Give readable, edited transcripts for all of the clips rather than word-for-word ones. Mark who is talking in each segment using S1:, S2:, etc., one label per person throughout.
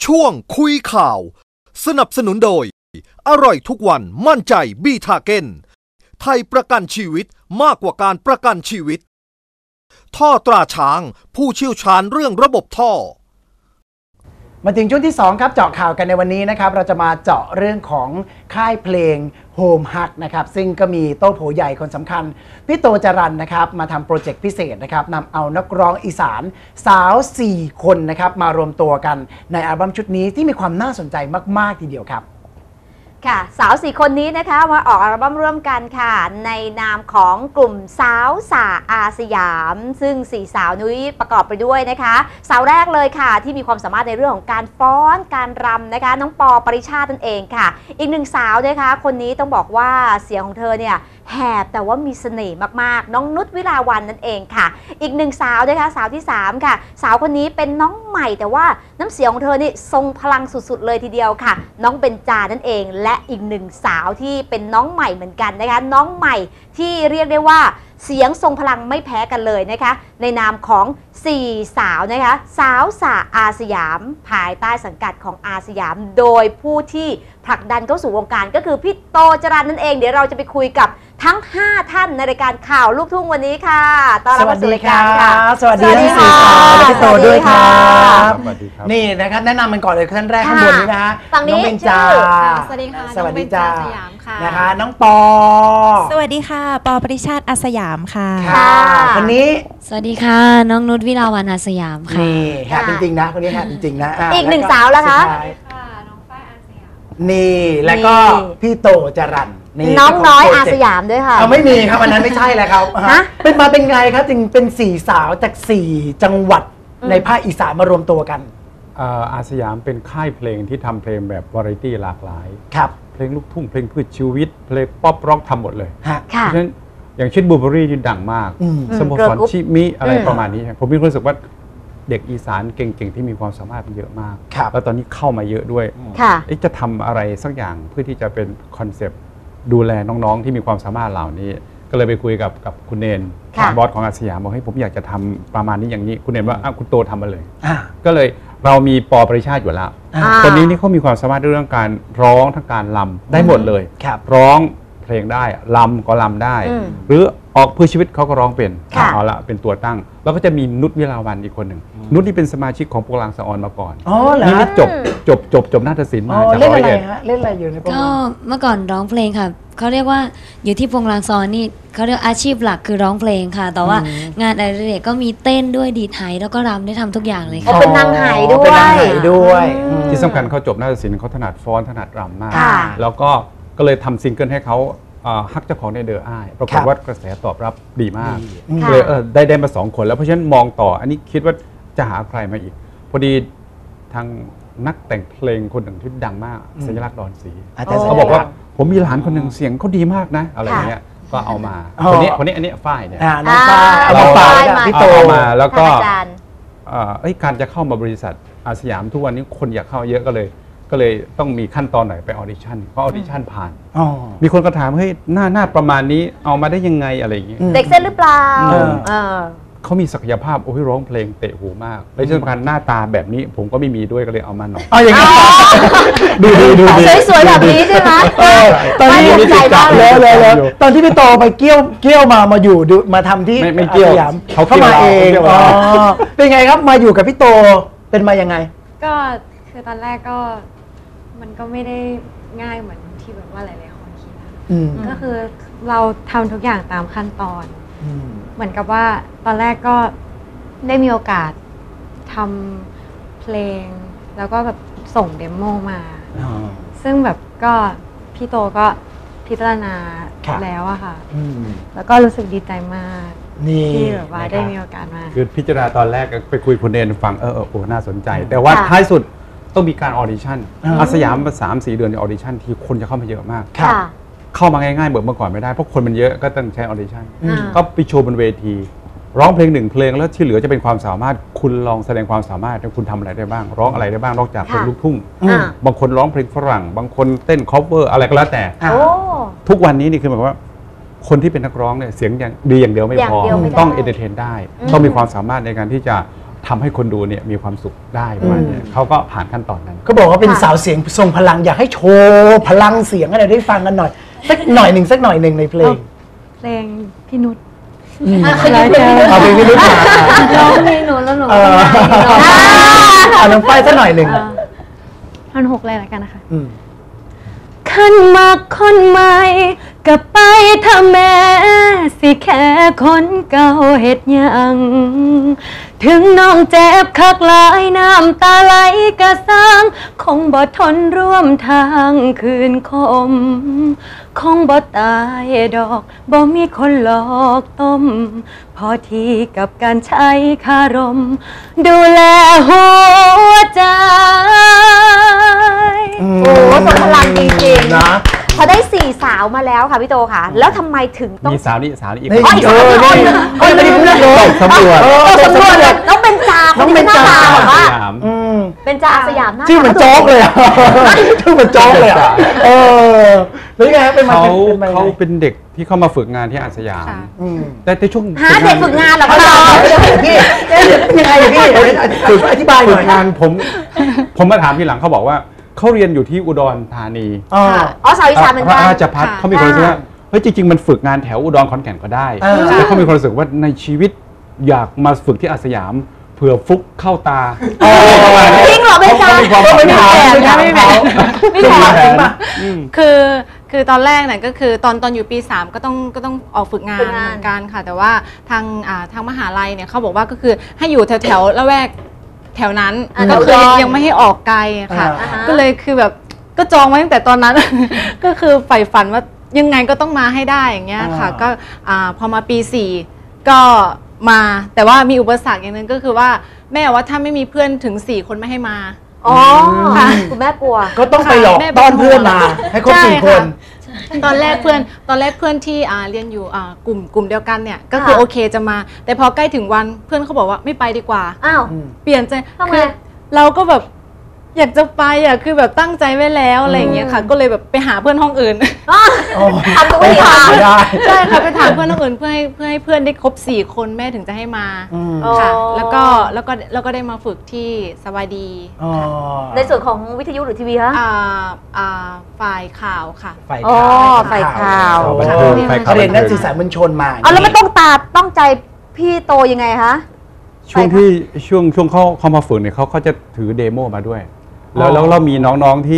S1: ช่วงคุยข่าวสนับสนุนโดยอร่อยทุกวันมั่นใจบีทาเก้นไทยประกันชีวิตมากกว่าการประกันชีวิตท่อตราช้างผู้เชี่ยวชาญเรื่องระบบท่อ
S2: มาถึงช่วงที่2ครับเจาะข่าวกันในวันนี้นะครับเราจะมาเจาะเรื่องของค่ายเพลง Home Hug นะครับซึ่งก็มีโต้โผใหญ่คนสำคัญพี่โตจรัญนะครับมาทำโปรเจกต์พิเศษนะครับนำเอานักร้องอีสานสาว4คนนะครับมารวมตัวกันในอัลบั้มชุดนี้ที่มีความน่าสนใจมากๆทีเดียวครับ
S3: ค่ะสาว4คนนี้นะคะมาออกอัลบั้มร่วมกันค่ะในนามของกลุ่มสาวสาอาสยามซึ่ง4สาวนุ้ยประกอบไปด้วยนะคะสาวแรกเลยค่ะที่มีความสามารถในเรื่องของการฟ้อนการรำนะคะน้องปอปริชาตินั่นเองค่ะอีกหนึ่งสาวนะคะคนนี้ต้องบอกว่าเสียงของเธอเนี่ยแหบแต่ว่ามีเสน่ห์มากๆน้องนุชวิลาวันนั่นเองค่ะอีกหนึ่งสาวนะคะสาวที่3ค่ะสาวคนนี้เป็นน้องใหม่แต่ว่าน้ำเสียงของเธอนี่ทรงพลังสุดๆเลยทีเดียวค่ะน้องเบญจานั่นเองและอีกหนึ่งสาวที่เป็นน้องใหม่เหมือนกันนะคะน้องใหม่ที่เรียกได้ว่าเสียงทรงพลังไม่แพ้กันเลยนะคะในนามของ4สาวนะคะสาวสาอาสยามภายใต้สังกัดของอาสยามโดยผู้ที่ผลักดันเข้าสู่วงการก็คือพี่โตจรัญนั่นเองเดี๋ยวเราจะไปคุยกับทั้ง5ท่านในรายการข่าวลูกทุ่งวันนี้ค่ะต้อนรับสู่รายการค่ะ
S2: สวัสดีทั้ง4สาวและพี่โตด้วยครับ
S4: สวัสดีครับ
S2: นี่นะครับแนะนำมันก่อนเลยท่านแรกข้างบนนี้นะฮะน้องเบญจา
S5: สวัสดีค่ะ
S2: สวัสดีจ้า
S5: สยามค่ะ
S2: นะคะน้องปอ
S5: สวัสดีค่ะปอปริชาติอาสยามค่ะ
S2: คนนี้
S5: สวัสดีค่ะน้องนุชวิลาวันอาสยามค่ะ
S2: นี่แฮปจริงๆนะคนนี้แฮปจริงๆนะ
S3: อีกหนึ่งสาวแล้วคะ
S5: น้องฝ้ายอาสยาม
S2: นี่แล้วก็พี่โตจรัญ
S3: น้องน้อยอาสยามด้วยค่ะ
S2: ไม่มีครับอันนั้นไม่ใช่แล้วครับเป็นมาเป็นไงครับจึงเป็น4สาวจาก4จังหวัดในภาคอีสานมารวมตัวกัน
S4: อาสยามเป็นค่ายเพลงที่ทำเพลงแบบวาไรตี้หลากหลาย
S2: ครับ
S4: เพลงลูกทุ่งเพลงพืชชีวิตเพลงป๊อปร็อกทำหมดเลย
S2: เพ
S4: ราะฉะนั้นอย่างเช่นบูเบอรี่นี่ดังมากสโมสรชิมิอะไรประมาณนี้ผมมีความรู้สึกว่าเด็กอีสานเก่งๆที่มีความสามารถเยอะมากแล้วตอนนี้เข้ามาเยอะด้วยจะทำอะไรสักอย่างเพื่อที่จะเป็นคอนเซปต์ดูแลน้องๆที่มีความสามารถเหล่านี้ก็เลยไปคุยกับคุณเนนบอสของอาสยามบอกให้ผมอยากจะทำประมาณนี้อย่างนี้คุณเนนว่าคุณโตทำมาเลยก็เลยเรามีปอปริชาติอยู่แล้วตอนนี้นี่เขามีความสามารถเรื่องการร้องทั้งการรำได้หมดเลยร้องเพลงได้รำก็รำได้หรือออกเพื่อชีวิตเขาก็ร้องเป็นเอาละเป็นตัวตั้งแล้วก็จะมีนุชวิลาวันอีกคนหนึ่งนุชที่เป็นสมาชิกของโปรลังสะออนมาก่อนนี่จบนาฏศิลป์มาจาก
S2: ร้อยเอ็ดเล่นอะไรอยู่ในโปรก็
S5: เมื่อก่อนร้องเพลงค่ะเขาเรียกว่าอยู่ที่โปรลังสะออนนี่เขาเรียกอาชีพหลักคือร้องเพลงค่ะแต่ว่างานอะไรเด็กก็มีเต้นด้วยดีดไหแล้วก็รำได้ทำทุกอย่างเลยค่ะ
S3: เป็นนางไหด้วย
S4: ที่สำคัญเขาจบนาฏศิลป์เขาถนัดฟ้อนถนัดรำมากแล้วก็เลยทำซิงเกิลให้เขาฮักเจ้าของในเดออ้ายปรากฏว่ากระแสตอบรับดีมากเลยได้มา2คนแล้วเพราะฉะนั้นมองต่ออันนี้คิดว่าจะหาใครมาอีกพอดีทางนักแต่งเพลงคนหนึ่งที่ดังมากสัญลักษณ์ดอนศรีเขาบอกว่าผมมีหลานคนหนึ่งเสียงเขาดีมากนะอะไรเงี้ยก็เอามาคนนี้อันนี้ฝ้ายเนี่ย
S2: น้องฝ้ายเอามาพี่โต
S4: มาแล้วก็การจะเข้ามาบริษัทอาสยามทุกวันนี้คนอยากเข้าเยอะก็เลยต้องมีขั้นตอนไหนไปออดิชั่นก็ออดิชั่นผ่านมีคนก็ถามเฮ้ยหน้าประมาณนี้เอามาได้ยังไงอะไรอย่างเงี้ย
S3: เด็กเส้นหรือเปล่า
S4: เขามีศักยภาพโอ้ยร้องเพลงเตะหูมากและที่สำคัญหน้าตาแบบนี้ผมก็ไม่มีด้วยก็เลยเอามาหน่อย
S2: อย่างนี้
S4: ดู
S3: สวยๆแบบนี้ใช่ไหม
S2: ตอนนี้ใจมากเลยตอนที่พี่โตไปเกี้ยวมาอยู่มาทำที่
S4: ไม่เกี่ยว
S2: เขามาเองเป็นไงครับมาอยู่กับพี่โตเป็นมายังไง
S5: ก็คือตอนแรกก็มันก็ไม่ได้ง่ายเหมือนที่แบบว่าหลายๆคนคิดก็คือเราทำทุกอย่างตามขั้นตอนเหมือนกับว่าตอนแรกก็ได้มีโอกาสทำเพลงแล้วก็แบบส่งเดโมมาซึ่งแบบก็พี่โตก็พิจารณาแล้วอะค่ะแล้วก็รู้สึกดีใจมากที่แบบว่าได้มีโอกาสมา
S4: คือพิจารณาตอนแรกไปคุยคุณเนนฟังน่าสนใจแต่ว่าท้ายสุดต้องมีการออดิชั่นอาสยามมา3-4 เดือนในออดิชั่นที่คนจะเข้ามาเยอะมากเข้ามาง่ายๆเหมือนเมื่อก่อนไม่ได้เพราะคนมันเยอะก็ต้องใช้ออดิชั่นก็ไปโชว์บนเวทีร้องเพลง1 เพลงแล้วที่เหลือจะเป็นความสามารถคุณลองแสดงความสามารถคุณทำอะไรได้บ้างร้องอะไรได้บ้างนอกจากเพลงลูกทุ่งบางคนร้องเพลงฝรั่งบางคนเต้นคอฟเวอร์อะไรก็แล้วแต่ทุกวันนี้นี่คือหมายว่าคนที่เป็นนักร้องเนี่ยเสียงดีอย่างเดียวไม่พอต้องเอนเตอร์เทนได้ต้องมีความสามารถในการที่จะทำให้คนดูเนี่ยมีความสุขได้ประมาณนี้เขาก็ผ่านขั้นตอนนั้น
S2: เขาบอกว่าเป็นสาวเสียงทรงพลังอยากให้โชว์พลังเสียงอะไรได้ฟังกันหน่อยสักหน่อยหนึ่งในเพลง
S5: เพลงพี่นุช
S2: เอาเพลงพี่นุชมา
S5: ร้องเพลงหนูแล้วหนู
S2: น้องฝ้ายสักหน่อยหนึ่ง
S5: ท่อนหกเลยละกันนะคะ
S2: ม
S5: ขันมักคนใหม่กับไปถ้าแม่สิแค่คนเก่าเฮ็ดหยังถึงน้องเจ็บคักหลายน้ำตาไหลกะสร้างคงบ่ทนร่วมทางคืนคมคงบ่ตายดอกบ่มีคนหลอกต้มพอทีกับการใช้คารมดูแลหัวใจ
S3: โอ้ทรงพลังจริงๆ
S2: นะ
S3: พอได้4 สาวมาแล้วค่ะพี่โตค่ะ แล้วทำไมถึงต้อง
S4: มีสาวนี่อีก
S2: นี่ ไม่ได้พูดเลย
S4: สำรวจ
S3: ต้องสำรวจเลยต้องเป็นจาคนที่หน้าตาแบบว่า เป็นจาอาสยามหน้า
S2: ชื่อเหมือนโจ๊กเลยอ่ะชื่อเหมือนโจ๊กเลยอ่ะแล้วยังไงครับเป็นมา
S4: เขาเป็นเด็กที่เข้ามาฝึกงานที่อาสยาม
S5: ค่ะ
S4: แต่ในช่วง
S3: หาเด็กฝึกงานเหรอคะ
S2: พี่ยังไงพี่อธิบายห
S4: ฝึ
S2: น่
S4: ก
S2: อย
S4: งานผมมาถามทีหลังเขาบอกว่าเขาเรียนอยู่ที่อุดรธานี
S3: อ๋อสาวอีสานเหมือน
S4: พ
S3: กั
S4: ระ
S3: น
S4: ราชพัฒเขามีความรู้สึกว่าเฮ้ยจริงๆมันฝึกงานแถวอุดรขอนแก่นก็ได้แต่เขามีความรู้สึกว่าในชีวิตอยากมาฝึกที่อาสยามเผื่อฟุกเข้าตา
S3: จริงเหรอเป็นจา
S4: เขามีความ
S2: ไม่ถามจริงป่ะ
S6: คือตอนแรกเนี่ยก็คือตอนอยู่ปี 3ก็ต้องออกฝึกงานเหมือนกันค่ะแต่ว่าทางมหาลัยเนี่ยเขาบอกว่าก็คือให้อยู่แถวละแวกแถวนั้นก็คือยังไม่ให้ออกไกลค่ะก็เลยคือแบบก็จองไว้ตั้งแต่ตอนนั้น ก็คือใฝ่ฝันว่ายังไงก็ต้องมาให้ได้อย่างเงี้ยค่ะก็พอมาปี 4ก็มาแต่ว่ามีอุปสรรคอย่างนึงก็คือว่าแม่ว่าถ้าไม่มีเพื่อนถึง4 คนไม่ให้มา
S3: อ๋อคุณแม่กลัว
S2: ก็ต้องไปหลอกต้อนเพื่อนมาให้ครบ4 คน
S6: ตอนแรกเพื่อนที่เรียนอยู่กลุ่มเดียวกันเนี่ยก็คือ
S3: ค่ะ
S6: โอเคจะมา แต่พอใกล้ถึงวันเพื่อนเขาบอกว่าไม่ไปดีกว่า
S3: อ้าว
S6: เปลี่ยนใจ
S3: ทำไม
S6: คือเราก็แบบอยากจะไปคือแบบตั้งใจไว้แล้วอะไรอย่างเงี้ยค่ะ ก็เลยแบบไปหาเพื่อนห้องอื่น
S3: ทำตัวไม่ทำ
S2: ได้
S6: ใช่ค่ะไปถามเพื่อนห้องอื่นเพื่อให้เพื่อนได้ครบ4 คนแม่ถึงจะให้มาค่ะ
S3: อ๋อ
S6: แล้วก็ได้มาฝึกที่สวัสดี
S3: ในส่วนของวิทยุหรือทีวีคะ
S6: ฝ่ายข่าวค่ะ
S3: อ๋อฝ่ายข่าว
S2: เขาเรียนนักสื่อสารมวลชนมา
S3: เอาแล้วมันต้องใจพี่โตยังไงคะ
S4: ช่วงเขามาฝึกเนี่ยเขาจะถือเดโมมาด้วย แล้วเรามีน้องๆ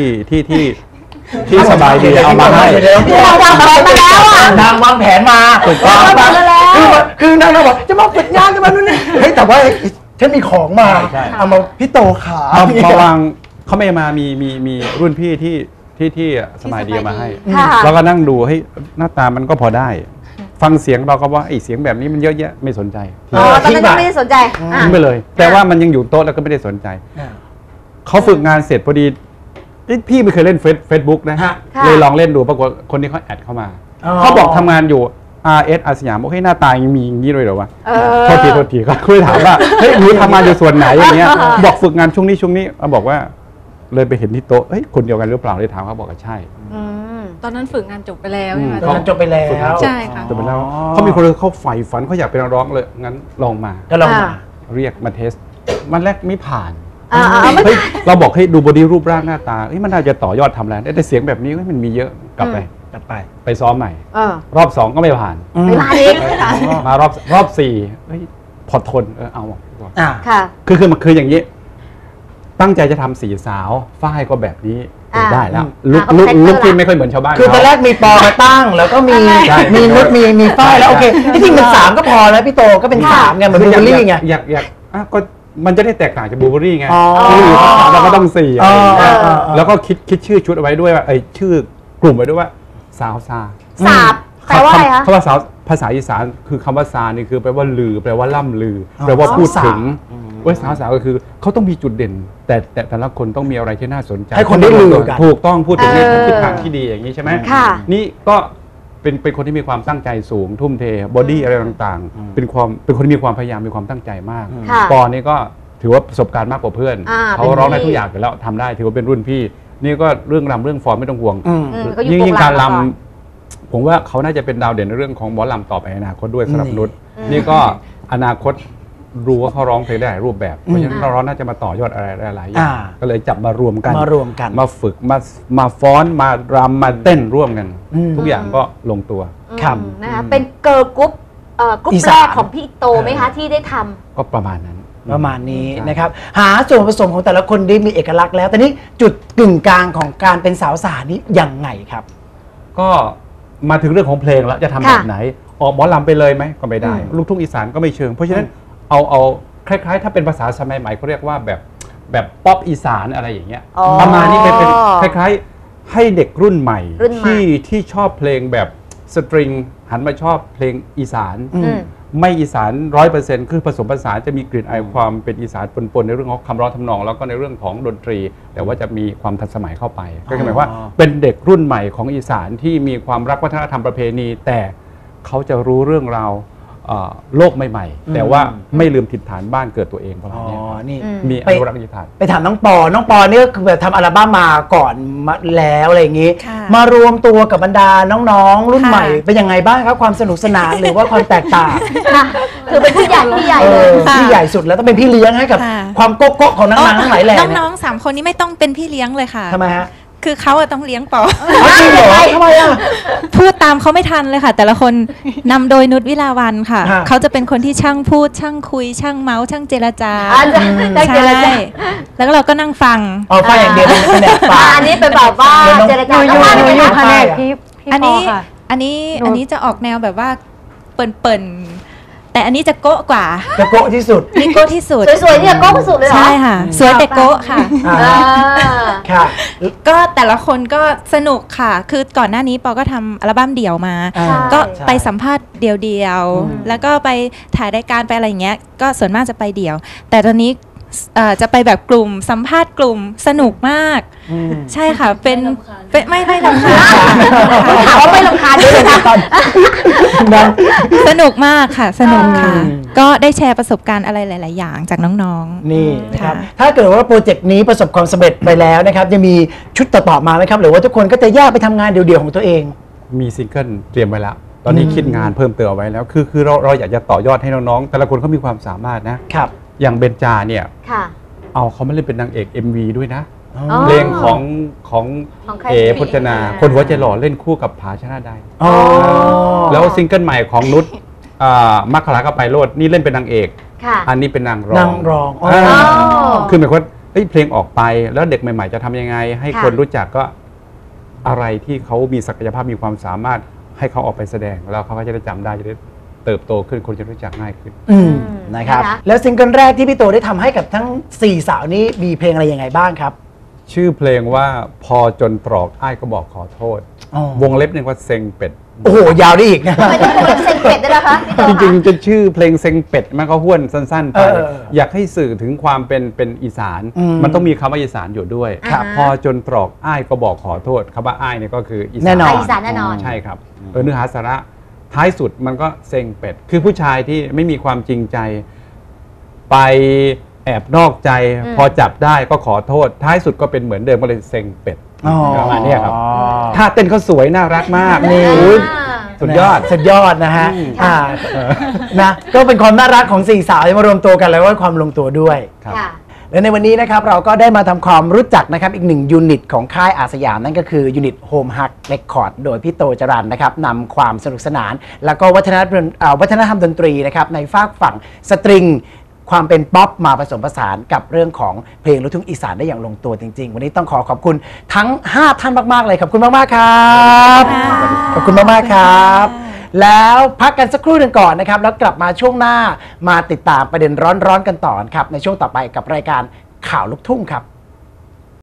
S4: ที่สบายดีเอามาให้
S3: เราวางแผนมาแล้วอ่ะ
S2: นางวางแผนมาถูกต้อง
S3: วางแผนมาแล้ว
S2: คือนางบอกจะมาฝึกงานจะมานู่นนี่เฮ้ยแต่ว่าฉันมีของมา
S4: ใช่
S2: เอามาพี่โตขา
S4: เอามาวางเขาไม่มามีรุ่นพี่ที่สบายดีเอามาให้
S3: ค่ะ
S4: เราก็นั่งดูให้หน้าตามันก็พอได้ ฟังเสียงเราก็ว่าไอ้เสียงแบบนี้มันเยอะแยะไม่สนใจ
S3: อ๋อตอนนั้นยังไม่ได้สนใจอ่ะ
S4: ทิ้งไปเลย แต่ว่ามันยังอยู่โต๊ะแล้วก็ไม่ได้สนใจ เขาฝึกงานเสร็จพอดีพี่ไม่เคยเล่นเฟซบุ๊กนะฮะเลยลองเล่นดูปรากฏคนที่เขาแอดเข้ามาเขาบอกทำงานอยู่ RS อาสยามบอกให้หน้าตายังมีอย่างนี้เลยเหรอวะโทษทีก็คุยถามว่าเฮ้ยหนูทำงานอยู่ส่วนไหนอย่างเงี้ยบอกฝึกงานช่วงนี้บอกว่าเลยไปเห็นที่โต๊ะเฮ้ยคนเดียวกันหรือเปล่าเลยถามเขาบอกว่าใช่
S6: ตอนนั้นฝึกงานจบไปแล้วใช่ไหม
S2: ตอนนั้นจบไปแล้ว
S6: ใช่ค่ะ
S4: จบไปแล้วเขามีคนเขาใฝ่ฝันเขาอยากเป็นนักร้องเลยงั้นลองมา
S2: ก็ลองมา
S4: เรียกมาเทสวันแรกไม่ผ่าน
S3: ไม่
S4: เฮ้ยเราบอกให้ดูบอดี้รูปร่างหน้าตาเฮ้ยมันน่าจะต่อยอดทำอะไรแต่เสียงแบบนี้เฮ้ยมันมีเยอะกลับไปซ้อมใหม่ รอบ 2ก็ไม่ผ่าน
S3: ไม่ผ่านอีก
S4: มารอบ4เฮ้ยพอทนเอา
S3: ค่ะ
S4: คืออย่างนี้ ตั้งใจจะทำ4 สาวฝ้ายก็แบบนี้ได้แล้วลุกที่ไม่ค่อยเหมือนชาวบ้าน
S2: คือตอนแรกมีปอมาตั้งแล้วก็มีนุชมีฝ้ายแล้วโอเคที่จริงเป็น3ก็พอแล้วพี่โตก็เป็น3ไงเหมือนบูเบอรี่ไง
S4: อยากก็มันจะได้แตกต่างจากบูเบอรี่ไง
S2: อ๋อ
S4: เราก็ต้อง4อะไรอย่างเงี้ย
S2: อ๋อ
S4: แล้วก็คิดชื่อชุดเอาไว้ด้วยว่าชื่อกลุ่มไว้ด้วยว่าสาวซา
S3: สาบแปลว่าอะไรคะ
S4: คำว่าสาวภาษาอีสานคือคำว่าซานี่คือแปลว่าลือแปลว่าล่ำลือแปลว่าพูดถึงว่าสาวก็คือเขาต้องมีจุดเด่น แต่แต่ละคนต้องมีอะไรที่น่าสนใจ
S2: ให้คนได้ลือกัน
S4: ถูกต้องพูดถึงในทิศทางที่ดีอย่างนี้ใช่ไหม
S3: ค่ะ
S4: นี่ก็เป็นคนที่มีความตั้งใจสูงทุ่มเทบอดี้อะไรต่างๆเป็นคนที่มีความพยายามมีความตั้งใจมาก
S3: ค่ะ
S4: ปอนี่ก็ถือว่าประสบการณ์มากกว่าเพื่อน เขาร้องได้ทุกอย่างอยู่แล้วทำได้ถือว่าเป็นรุ่นพี่ นี่ก็เรื่องรำเรื่องฟอร์มไม่ต้องห่วง
S3: ก็อยู่
S4: ยิ่ง
S3: วง
S4: การ
S3: รำมาก่อน
S4: รำผมว่าเขาน่าจะเป็นดาวเด่นในเรื่องของหมอลำต่อไปในอนาคตด้วยสำหรับนุชนี่ก็อนาคตรู้ว่าเขาร้องเพลงได้หลายรูปแบบเพราะฉะนั้นเราน่าจะมาต่อยอดอะไรหลายอย่างก็เลยจับมารวมกันมาฝึกมาฟ้อนมารำมาเต้นร่วมกันทุกอย่างก็ลงตัว
S3: นะคะเป็นเกิร์ลกรุ๊ปกรุ๊ปแรกของพี่โตไหมคะที่ได้ทำ
S4: ก็ประมาณนั้น
S2: นี้นะครับหาส่วนผสมของแต่ละคนได้มีเอกลักษณ์แล้วแต่นี้จุดกึ่งกลางของการเป็นสาวสานี้ยังไงครับ
S4: ก็มาถึงเรื่องของเพลงแล้วจะทำแบบไหนออกหมอลำไปเลยไหมก็ไม่ได้ลูกทุ่งอีสานก็ไม่เชิงเพราะฉะนั้นเอาคล้ายๆถ้าเป็นภาษาสมัยใหม่เขาเรียกว่าแบบป๊อปอีสานอะไรอย่างเงี้ยประมาณนี้เป็นคล้ายๆให้เด็กรุ่นใหม่ที่ชอบเพลงแบบสตริงหันมาชอบเพลงอีสานไม่อีสาน 100% คือผสมผสานจะมีกลิ่นอายความเป็นอีสานปนๆในเรื่องของคำร้องทำนองแล้วก็ในเรื่องของดนตรีแต่ว่าจะมีความทันสมัยเข้าไปก็หมายว่าเป็นเด็กรุ่นใหม่ของอีสานที่มีความรักวัฒนธรรมประเพณีแต่เขาจะรู้เรื่องราวโลกใหม่ๆแต่ว่าไม่ลืมถิ่นฐานบ้านเกิดตัวเองประมาณนี้มีอนุรักษ์นิทาน
S2: ไปถามน้องปอนี่ก็คือแบบทำอัลบั้มมาก่อนแล้วอะไรอย่างนี้มารวมตัวกับบรรดาน้องๆรุ่นใหม่เป็นยังไงบ้างครับความสนุกสนานหรือว่าความแตกต่าง
S3: คือเป็นพี่ใหญ่เลย
S2: พี่ใหญ่สุดแล้วต้องเป็นพี่เลี้ยงให้กับความโก๊ะของนางๆทั้งหลายแหล่
S7: น้องๆ3 คนนี้ไม่ต้องเป็นพี่เลี้ยงเลยค่ะ
S2: ทำไมฮะ
S7: คือเขาต้องเลี้ยงปอ
S2: จริงเหรอทำไม
S7: พูดตามเขาไม่ทันเลยค่ะแต่ละคนนำโดยนุชวิลาวันค่ะเขาจะเป็นคนที่ช่างพูดช่างคุยช่างเมาส์ช่างเจรจาใช่แล้วเราก็นั่งฟัง
S2: ฟังอย่างเดียวเป็นแบบฟัง
S3: อันนี้เป็นแบบว่าเจรจา
S5: อยู่แผนกพี่
S7: อันนี้จะออกแนวแบบว่าเปิ่นแต่อันนี้จะโก๊ะกว่า
S2: จะโก๊ะที่สุด
S7: นี่โก๊ะที่สุด
S3: สวยๆเนี่ยโก๊ะที่สุดเลยเหรอ
S7: ใช่ค่ะสวยแต่โก๊ะค่ะ
S2: ค่ะ
S7: ก็แต่ละคนก็สนุกค่ะคือก่อนหน้านี้ปอก็ทำอัลบั้มเดี่ยวมาก็ไปสัมภาษณ์เดี่ยวๆแล้วก็ไปถ่ายรายการไปอะไรอย่างเงี้ยก็ส่วนมากจะไปเดี่ยวแต่ตอนนี้จะไปแบบกลุ่มสัมภาษณ์กลุ่มสนุกมากใช่ค่ะเป็นไม่รำคาญ
S3: ถามว่าไม่รำคาญด้วยนะ
S7: สนุกมากค่ะสนุกค่ะก็ได้แชร์ประสบการณ์อะไรหลายๆอย่างจากน้อง
S2: ๆนี่นะครับถ้าเกิดว่าโปรเจกต์นี้ประสบความสำเร็จไปแล้วนะครับจะมีชุดต่อๆมาไหมครับหรือว่าทุกคนก็จะแยกไปทำงานเดี่ยวๆของตัวเอง
S4: มีซิงเกิลเตรียมไว้แล้วตอนนี้คิดงานเพิ่มเติมไว้แล้วคือเราอยากจะต่อยอดให้น้องๆแต่ละคนเขามีความสามารถนะครับอย่างเบญจาเนี่ยเอาเขาไม่เล่นเป็นนางเอก MV ด้วยนะเพลงของพจนาคนหัวใจหล่อเล่นคู่กับผาชนะได้แล้วซิงเกิลใหม่ของนุชมัคคลาก็ไปโลดนี่เล่นเป็นนางเอกอันนี้เป็นนางรองคือหมายความว่าเพลงออกไปแล้วเด็กใหม่ๆจะทำยังไงให้คนรู้จักก็อะไรที่เขามีศักยภาพมีความสามารถให้เขาออกไปแสดงแล้วเขาก็จะได้จำได้จะได้เติบโตขึ้นคนจะรู้จักง่ายขึ้น
S2: นะครับแล้วซิงเกิลแรกที่พี่โตได้ทำให้กับทั้ง4สาวนี้มีเพลงอะไรยังไงบ้างครับ
S4: ชื่อเพลงว่าพอจนตรอกอ้ายก็บอกขอโทษวงเล็บนึงว่าเซ็งเป็ด
S2: โอ้โหยาวได้อีกนะ
S3: ไม่ต้องเซ็งเป็ดได้แล้วคะ
S4: จริงๆจะชื่อเพลงเซ็งเป็ดมันก็ห้วนสั้นๆไปอยากให้สื่อถึงความเป็นอีสานมันต้องมีคำว่าอีสานอยู่ด้วยพอจนตรอกอ้ายก็บอกขอโทษคำว่าอ้ายเนี่ยก็คืออีสาน
S3: แน่นอน
S4: ใช่ครับเนื้อหาสาระท้ายสุดมันก็เซ็งเป็ดคือผู้ชายที่ไม่มีความจริงใจไปแอบนอกใจพอจับได้ก็ขอโทษท้ายสุดก็เป็นเหมือนเดิมก็เลยเซ็งเป็ดประมาณนี้ครับท่าเต้นเขาสวยน่ารักมากนี่สุดยอดนะฮะ
S2: นะก็เป็นความน่ารักของ4สาวที่มารวมตัวกันแล้วก็ความลงตัวด้วยและในวันนี้นะครับเราก็ได้มาทำความรู้จักนะครับอีก1ยูนิตของค่ายอาสยามนั่นก็คือยูนิต Home Hug Record โดยพี่โตจรัญนะครับนำความสนุกสนานแล้วก็วัฒนธรรมดนตรีนะครับในฝากฝั่งสตริงความเป็นป๊อปมาผสมผสานกับเรื่องของเพลงลูกทุ่งอีสานได้อย่างลงตัวจริงๆวันนี้ต้องขอบคุณทั้ง5ท่านมากๆเลยขอบคุณมากๆครับขอบคุณมากๆครับแล้วพักกันสักครู่หนึ่งก่อนนะครับแล้วกลับมาช่วงหน้ามาติดตามประเด็นร้อนๆกันต่อครับในช่วงต่อไปกับรายการข่าวลูกทุ่งครับ